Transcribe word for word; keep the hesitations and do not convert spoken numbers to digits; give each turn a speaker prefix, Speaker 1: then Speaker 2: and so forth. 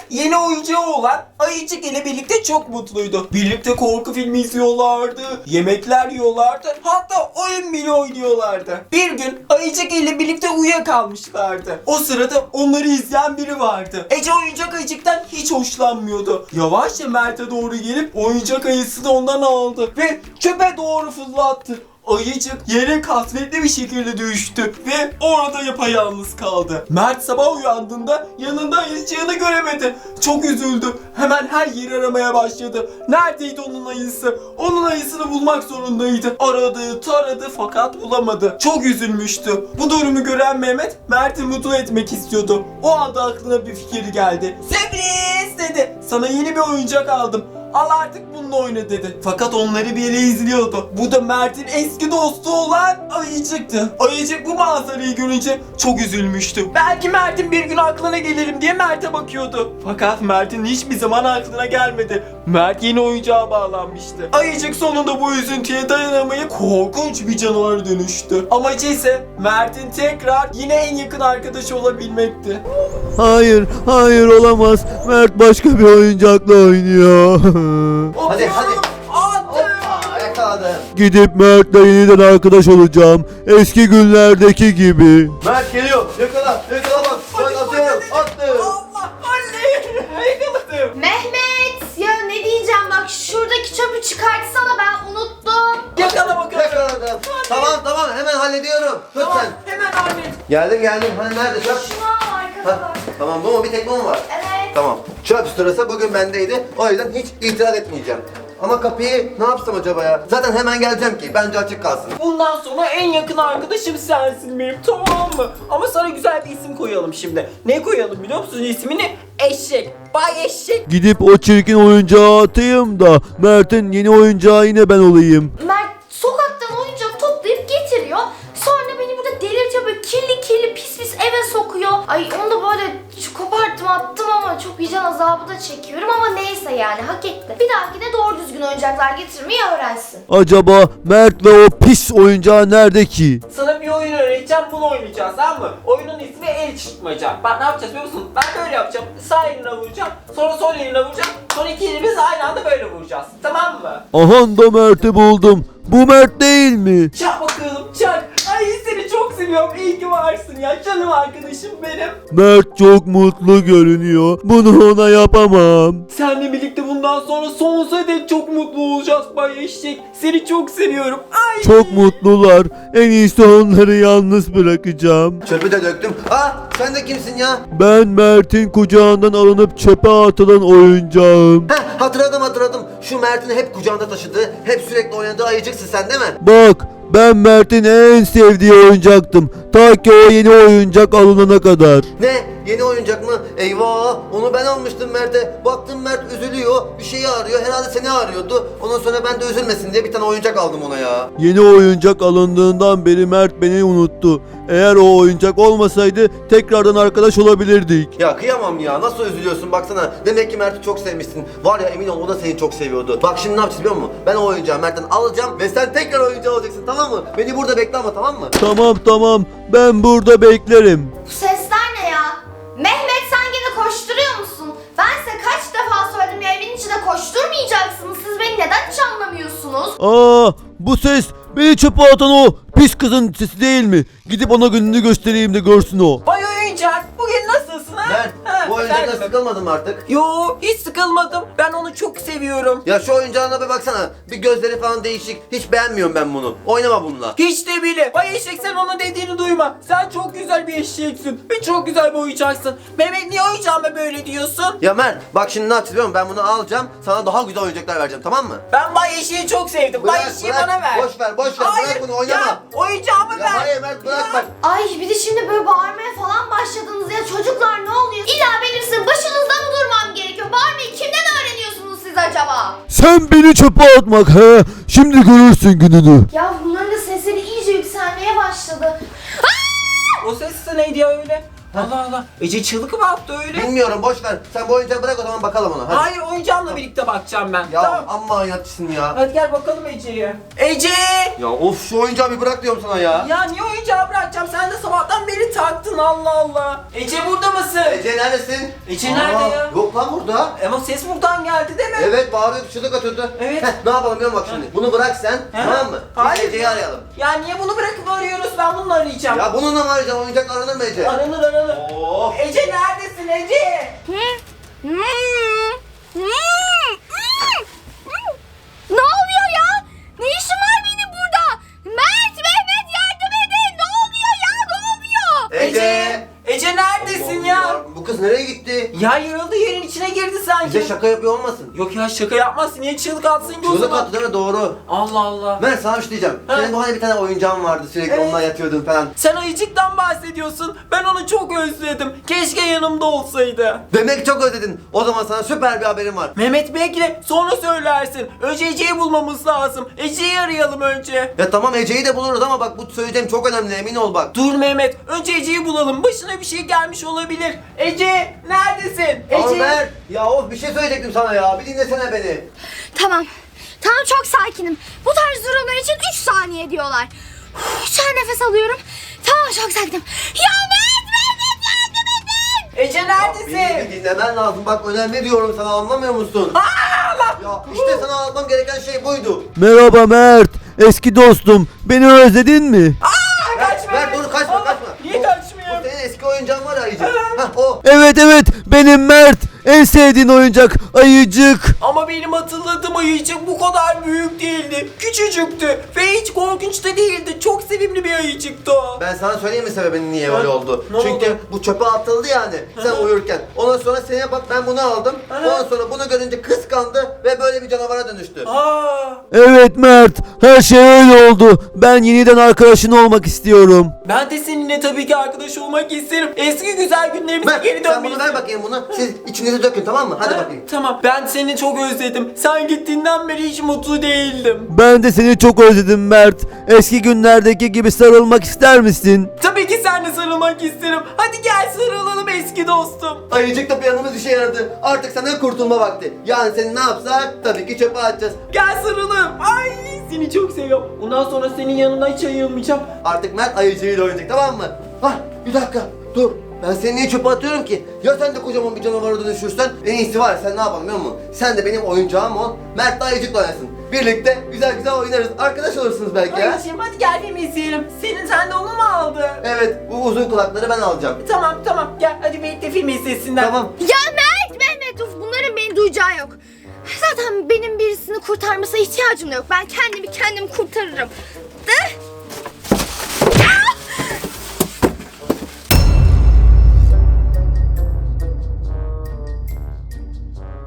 Speaker 1: yeni oyuncağı olan Ayıcık ile birlikte çok mutluydu. Birlikte korku filmi izliyorlardı, yemekler yiyorlardı, hatta oyun bile oynuyorlardı. Bir gün Ayıcık ile birlikte uyuyakalmışlardı. O sırada onları izleyen biri vardı. Ece oyuncak ayıcıktan hiç hoşlanmıyordu. Yavaşça Mert'e doğru gelip oyuncak ayısını ondan aldı ve çöpe doğru fırlattı. Ayıcık yere kasvetli bir şekilde düştü ve orada yapayalnız kaldı. Mert sabah uyandığında yanında ayıcığını göremedi. Çok üzüldü. Hemen her yeri aramaya başladı. Neredeydi onun ayısı? Onun ayısını bulmak zorundaydı. Aradı, taradı fakat bulamadı. Çok üzülmüştü. Bu durumu gören Mehmet Mert'i mutlu etmek istiyordu. O anda aklına bir fikir geldi. Sürpriz dedi. Sana yeni bir oyuncak aldım. Al artık bununla oyna dedi. Fakat onları bir yere izliyordu. Bu da Mert'in eski dostu olan Ayıcık'tı. Ayıcık bu manzarayı görünce çok üzülmüştü. Belki Mert'in bir gün aklına gelirim diye Mert'e bakıyordu. Fakat Mert'in hiçbir zaman aklına gelmedi. Mert yeni oyuncağa bağlanmıştı. Ayıcık sonunda bu üzüntüye dayanamayıp korkunç bir canavara dönüştü. Amacı ise Mert'in tekrar yine en yakın arkadaşı olabilmekti.
Speaker 2: Hayır, hayır olamaz. Mert başka bir oyuncakla oynuyor.
Speaker 3: Hadi hadi.
Speaker 1: Attım.
Speaker 3: Hoppa, yakaladım.
Speaker 2: Gidip Mert'le yeniden arkadaş olacağım. Eski günlerdeki gibi.
Speaker 3: Mert geliyor. Yakala. Yakala bak. Bak atıyorum. Attım.
Speaker 1: Allah anne. Yakaladım.
Speaker 4: Mehmet ya ne diyeceğim bak şuradaki çöpü çıkartsana ben unuttum.
Speaker 1: Yakala bakalım.
Speaker 3: Yakaladım. Tamam tamam hemen hallediyorum. Tut
Speaker 1: Tamam,
Speaker 3: sen.
Speaker 1: hemen hallet.
Speaker 3: Geldim geldim. Hani nerede çöp?
Speaker 4: Şunu al arkada
Speaker 3: Ha,
Speaker 4: bak.
Speaker 3: tamam bu mu? Bir tek bu mu var?
Speaker 4: Evet.
Speaker 3: Tamam. Çöp sırası bugün bendeydi. O yüzden hiç itiraz etmeyeceğim. Ama kapıyı ne yapsam acaba ya? Zaten hemen geleceğim ki. Bence açık kalsın.
Speaker 1: Bundan sonra en yakın arkadaşım sensin benim, tamam mı? Ama sana güzel bir isim koyalım şimdi. Ne koyalım biliyor musun ismini? Eşek. Bay Eşek.
Speaker 2: Gidip o çirkin oyuncağı atayım da Mert'in yeni oyuncağı yine ben olayım.
Speaker 4: Mert sokaktan oyuncak toplayıp getiriyor. Sonra beni burada delirtiyor böyle kirli kirli pis pis eve sokuyor. Ay onu da böyle koparttım attım ama çok vicdan azabı da çekiyorum ama neyse yani hak etti. Bir dahakine doğru düzgün oyuncaklar getirmeyi öğrensin.
Speaker 2: Acaba Mert ve o pis oyuncağı nerede ki?
Speaker 1: Sana bir oyun öğreteceğim, bunu oynayacağız, tamam mı? Oyunun ismi el çıkmaca. Bak ne yapacağız biliyor musun? Ben böyle yapacağım. Sağ eline vuracağım. Sonra sol eline vuracağım. Sonra iki elimiz aynı anda böyle vuracağız. Tamam mı?
Speaker 2: Aha da Mert'i buldum. Bu Mert değil mi?
Speaker 1: Çak bakalım çak. Ay seni çok seviyorum. İyi ki varsın ya. Canım arkadaşım benim.
Speaker 2: Mert çok mutlu görünüyor. Bunu ona yapamam.
Speaker 1: Seninle birlikte bundan sonra sonsuza dek çok mutlu olacağız Bay Eşek. Seni çok seviyorum. Ay.
Speaker 2: Çok mutlular. En iyisi onları yalnız bırakacağım.
Speaker 3: Çöpü de döktüm. Aa sen de kimsin ya?
Speaker 2: Ben Mert'in kucağından alınıp çöpe atılan oyuncağım.
Speaker 3: Heh hatırladım hatırladım. Şu Mert'in hep kucağında taşıdığı, hep sürekli oynadığı ayıcıksın sen değil mi?
Speaker 2: Bak, ben Mert'in en sevdiği oyuncaktım. Ta ki o yeni oyuncak alınana kadar.
Speaker 3: Ne? Yeni oyuncak mı? Eyvah! Onu ben almıştım Mert'e. Baktım Mert üzülüyor. Bir şeyi arıyor. Herhalde seni arıyordu. Ondan sonra ben de üzülmesin diye bir tane oyuncak aldım ona ya.
Speaker 2: Yeni oyuncak alındığından beri Mert beni unuttu. Eğer o oyuncak olmasaydı tekrardan arkadaş olabilirdik.
Speaker 3: Ya kıyamam ya. Nasıl üzülüyorsun baksana. Demek ki Mert'i çok sevmişsin. Var ya emin ol o da seni çok seviyordu. Bak şimdi ne yapacağız biliyor musun? Ben o oyuncağı Mert'ten alacağım ve sen tekrar oyuncağı alacaksın tamam mı? Beni burada bekle ama tamam mı?
Speaker 2: Tamam tamam, ben burada beklerim.
Speaker 4: Bu sesler ne ya? Mehmet sen gene koşturuyor musun? Ben size kaç defa söyledim ya evin içinde koşturmayacaksınız. Siz beni neden hiç anlamıyorsunuz?
Speaker 2: Aa, bu ses beni çöpe atan o pis kızın sesi değil mi? Gidip ona gününü göstereyim de görsün o.
Speaker 1: Bay Oyuncak bugün nasılsın ha?
Speaker 3: Mert
Speaker 1: Ha,
Speaker 3: bu oyuncaktan
Speaker 1: efendim?
Speaker 3: sıkılmadın mı artık?
Speaker 1: Yo hiç sıkılmadım. Ben onu çok seviyorum.
Speaker 3: Ya şu oyuncağına bir baksana. Bir gözleri falan değişik. Hiç beğenmiyorum ben bunu. Oynama bununla.
Speaker 1: Hiç de bile. Bay Eşek sen onun dediğini duyma. Sen çok güzel bir eşeksin. Ve çok güzel bir oyuncaksın. Mehmet niye oyuncağıma böyle diyorsun?
Speaker 3: Ya Mert bak şimdi ne yapacağız biliyor musun? Ben bunu alacağım. Sana daha güzel oyuncaklar vereceğim tamam mı?
Speaker 1: Ben Bay Eşek'i çok sevdim. Bay Eşek'i bana ver.
Speaker 3: Boş ver boş ver.
Speaker 1: Hayır,
Speaker 3: Bırak bunu oynama.
Speaker 1: Ya, oyuncağımı
Speaker 3: Ya
Speaker 1: ver.
Speaker 3: hayır Mert bırak
Speaker 1: Ya.
Speaker 3: bak.
Speaker 4: Ay bir de şimdi böyle bağırmaya falan başladınız ya çocuklar ne oluyor? İlla benim sizin başınızda mı durmam gerekiyor? Bağırmayı kimden öğreniyorsunuz siz acaba?
Speaker 2: Sen beni çöpe atmak he. Şimdi görürsün gününü.
Speaker 4: Ya bunların da sesleri iyice yükselmeye başladı.
Speaker 1: O ses de neydi ya öyle? Allah Allah. Ece çığlık mı attı öyle?
Speaker 3: Bilmiyorum, boş ver. Sen bu oyuncağı bırak, o zaman bakalım ona. Hadi.
Speaker 1: Hayır, oyuncağımla birlikte bakacağım ben.
Speaker 3: Ya
Speaker 1: Tamam.
Speaker 3: amma inatçısın ya.
Speaker 1: Hadi gel bakalım Ece'ye. Ece!
Speaker 3: Ya of, şu oyuncağı bir bırak diyorum sana ya.
Speaker 1: Ya niye oyuncağı bırakacağım? Sen de sabahtan beri taktın, Allah Allah. Ece burada mısın?
Speaker 3: Ece neredesin?
Speaker 1: Ece nerede ya?
Speaker 3: Yok lan burada.
Speaker 1: Ama ses buradan geldi değil mi?
Speaker 3: Evet, bağırıyor, çığlık atıyordu.
Speaker 1: Evet.
Speaker 3: Heh, ne yapalım biliyor musun bak şimdi. Bunu bırak sen,
Speaker 1: He?
Speaker 3: tamam mı? Biz
Speaker 1: Hayır.
Speaker 3: Ece'yi arayalım.
Speaker 1: Ya niye bunu bırakıp arıyoruz? Ben bununla arayacağım.
Speaker 3: Ya bununla mı arayacaksın? Oyuncak aranır mı Ece?
Speaker 1: Aranır aranır.
Speaker 3: Of.
Speaker 1: Ece neredesin Ece?
Speaker 4: Ne oluyor ya? Ne işim var benim burada? Mert, Mehmet yardım edin. Ne oluyor ya? Ne oluyor?
Speaker 3: Ece.
Speaker 1: Ece neredesin
Speaker 3: Allah
Speaker 1: ya?
Speaker 3: Allah. Bu kız nereye gitti?
Speaker 1: Ya yarıldı, yerin içine girdi sanki.
Speaker 3: Bize şaka yapıyor olmasın?
Speaker 1: Yok ya, şaka yapmazsın. Niye çığlık atsın ki o
Speaker 3: Çığlık
Speaker 1: zaman?
Speaker 3: attı değil mi? Doğru.
Speaker 1: Allah Allah.
Speaker 3: Ben sana bir şey diyeceğim.
Speaker 1: Ha.
Speaker 3: Senin bu hani bir tane oyuncağın vardı, sürekli
Speaker 1: Evet.
Speaker 3: ondan yatıyordun falan.
Speaker 1: Sen ayıcıktan bahsediyorsun. Ben onu çok özledim. Keşke yanımda olsaydı.
Speaker 3: Demek çok özledin. O zaman sana süper bir haberim var.
Speaker 1: Mehmet bekle, sonra söylersin. Önce Ece'yi bulmamız lazım. Ece'yi arayalım önce.
Speaker 3: Ya tamam, Ece'yi de buluruz ama bak bu söyleyeceğim çok önemli, emin ol bak.
Speaker 1: Dur Mehmet, önce Ece'yi bulalım. Başına bir şey gelmiş olabilir. Ece, neredesin?
Speaker 3: Ama
Speaker 1: Ece.
Speaker 3: Mert, ya of bir şey söyleyecektim sana ya. Bir dinlesene beni.
Speaker 4: Tamam. Tamam, çok sakinim. Bu tarz durumlar için üç saniye diyorlar. Uf, şu an nefes alıyorum. Tamam, çok sakinim. Ya Mert, Mehmet yardım edin.
Speaker 1: Ece neredesin?
Speaker 3: Beni bir dinlemen lazım. Bak önemli diyorum sana, anlamıyor musun? Ya işte sana anlatmam gereken şey buydu.
Speaker 2: Merhaba Mert. Eski dostum. Beni özledin mi?
Speaker 1: Aa, kaçma.
Speaker 3: Mert, dur, kaçma,
Speaker 1: Aa,
Speaker 3: kaçma.
Speaker 1: Niye
Speaker 3: O-
Speaker 1: kaçmıyor?
Speaker 3: O senin eski oyuncağın var ya Ayıcık. Hah o.
Speaker 2: Evet evet benim Mert. En sevdiğin oyuncak ayıcık.
Speaker 1: Ama benim hatırladığım ayıcık bu kadar büyük değildi. Küçücüktü ve hiç korkunç da değildi. Çok sevimli bir ayıcıktı o.
Speaker 3: Ben sana söyleyeyim mi sebebinin niye
Speaker 1: Ha?
Speaker 3: öyle oldu?
Speaker 1: Ne
Speaker 3: Çünkü
Speaker 1: oldu?
Speaker 3: bu çöpe atıldı yani sen uyurken. Ondan sonra seneye bak ben bunu aldım.
Speaker 1: Ha?
Speaker 3: Ondan sonra bunu görünce kıskandı ve böyle bir canavara dönüştü.
Speaker 1: Aa,
Speaker 2: Evet Mert. Her şey öyle oldu. Ben yeniden arkadaşın olmak istiyorum.
Speaker 1: ben de seninle tabii ki arkadaş olmak isterim. Eski güzel günlerimize
Speaker 3: Mert,
Speaker 1: geri
Speaker 3: sen
Speaker 1: dönmeyi
Speaker 3: bunu ver bakayım bunu. Siz içinizi dökün, tamam mı? Hadi
Speaker 1: Ha,
Speaker 3: bakayım.
Speaker 1: Tamam, ben seni çok özledim. Sen gittiğinden beri hiç mutlu değildim.
Speaker 2: Ben de seni çok özledim Mert. Eski günlerdeki gibi sarılmak ister misin?
Speaker 1: Tabii ki seninle sarılmak isterim. Hadi gel sarılalım eski dostum.
Speaker 3: Ayıcık da planımız işe yaradı. Artık senden kurtulma vakti. Yani seni ne yapsak tabii ki çöpe atacağız.
Speaker 1: Gel sarılalım. Ay, seni çok seviyorum. Bundan sonra senin yanına hiç ayılmayacağım.
Speaker 3: Artık Mert ayıcığıyla oynayacak, tamam mı? Hah, bir dakika dur. Ben seni niye çöpe atıyorum ki? Ya sen de kocaman bir canavara dönüşürsen en iyisi var ya, sen ne yapalım biliyor musun? Sen de benim oyuncağım ol, Mert de ayıcıkla oynasın. Birlikte güzel güzel oynarız. Arkadaş olursunuz belki ha?
Speaker 1: Ayıcığım hadi gel film izleyelim. Senin sen de onu mu aldı?
Speaker 3: Evet, bu uzun kulakları ben alacağım.
Speaker 1: Tamam tamam gel hadi birlikte film izlesinler.
Speaker 3: Tamam.
Speaker 4: Ya Mert, Mehmet, uf, bunların beni duyacağı yok. Zaten benim birisini kurtarmasına ihtiyacım da yok. Ben kendimi kendim kurtarırım. De?